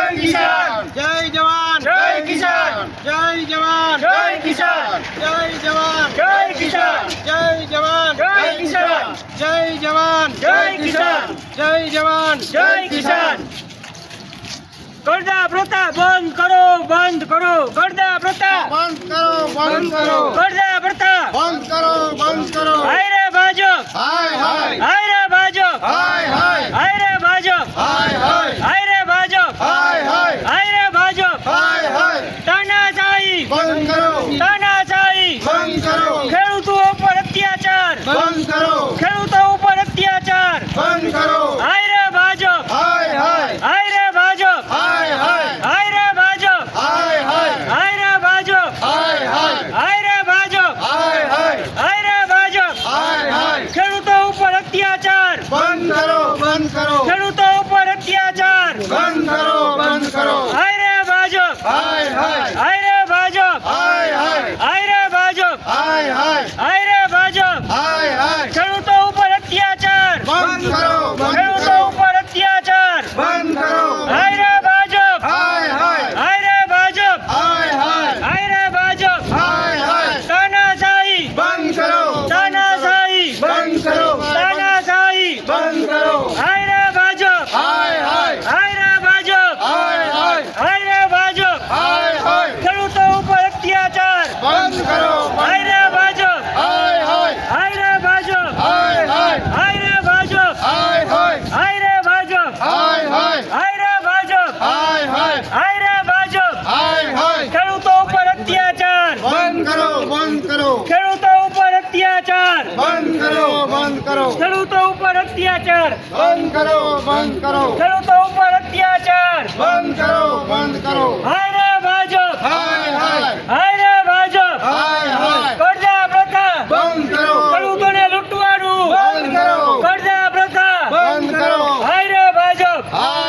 જય કિસાન, જય જવાન, જય કિસાન, જય જવાન, જય કિસાન, જય જવાન, જય કિસાન, જય જવાન, જય કિસાન, જય જવાન, જય કિસાન, જય જવાન, જય કિસાન. કરડા પ્રથા બંધ કરો, બંધ કરો. કરડા પ્રથા બંધ કરો, બંધ કરો, કરડા પ્રથા બંધ કરો, બંધ કરો. હાય રે ભાજપ, હાય હાય, હાય રે ભાજપ, હાય હાય, હાય રે ભાજપ, હાય હાય, હાય રે ભાજપ, હાય હાય, હાય રે ભાજપ. હાય હાય. તાનાશાહી, બંધ કરો, તાનાશાહી. બંધ કરો, ખેડૂતો ઉપર અત્યાચાર, બંધ કરો, ખેડૂતો ઉપર અત્યાચાર. બંધ કરો. હાય રે ભાજપ, હાય હાય, હાય રે ભાજપ, હાય હાય, હાય રે ભાજપ, હાય હાય, હાય રે ભાજપ, હાય હાય, હાય રે ભાજપ, હાય હાય, હાય રે ભાજપ. હાય હાય. ખેડૂતો ઉપર અત્યાચાર, બંધ કરો, બંધ કરો, ખેડૂતો ઉપર અત્યાચાર. બંધ કરો, બંધ કરો. હાય રે ભાજપ, હાય હાય, હાય રે ભાજપ, હાય હાય, હાય રે ભાજપ, હાય હાય, હાય રે ભાજપ. હાય હાય. ખેડૂતો ઉપર અત્યાચાર, બંધ કરો, બંધ ખેડૂતો કરો, ઉપર અત્યાચાર. બંધ કરો. હાય રે ભાજપ, હાય હાય, હાય રે ભાજપ, હાય હાય, હાય રે ભાજપ. હાય હાય. તાનાશાહી, બંધ કરો, તાનાશાહી, બંધ કરો, તાનાશાહી. બંધ કરો. હાય રે ભાજપ, હાય હાય, હાય રે ભાજપ, હાય હાય, હાય રે ભાજપ. હાય હાય. ખેડૂતો ઉપર અત્યાચાર. બંધ કરો, હાય રે ભાજપ, હાય હાય, હાય રે ભાજપ, હાય હાય, હાય રે ભાજપ, હાય હાય, હાય રે ભાજપ, હાય હાય, હાય રે ભાજપ, હાય હાય, હાય રે ભાજપ. હાય હાય. ખેડૂતો ઉપર અત્યાચાર, બંધ કરો, બંધ કરો, ખેડૂતો ઉપર અત્યાચાર, બંધ કરો, બંધ કરો, ખેડૂતો ઉપર અત્યાચાર, બંધ કરો, બંધ કરો, ખેડૂતો ઉપર અત્યાચાર. બંધ કરો, બંધ કરો. હાય રે ભાજપ, હાય હાય, હાય રે ભાજપ. હાય હાય. કરડા પ્રથા બંધ કરો, ખેડૂતોને લૂંટવાનું. બંધ કરો, કરડા પ્રથા બંધ કરો. હાય રે ભાજપ, હાય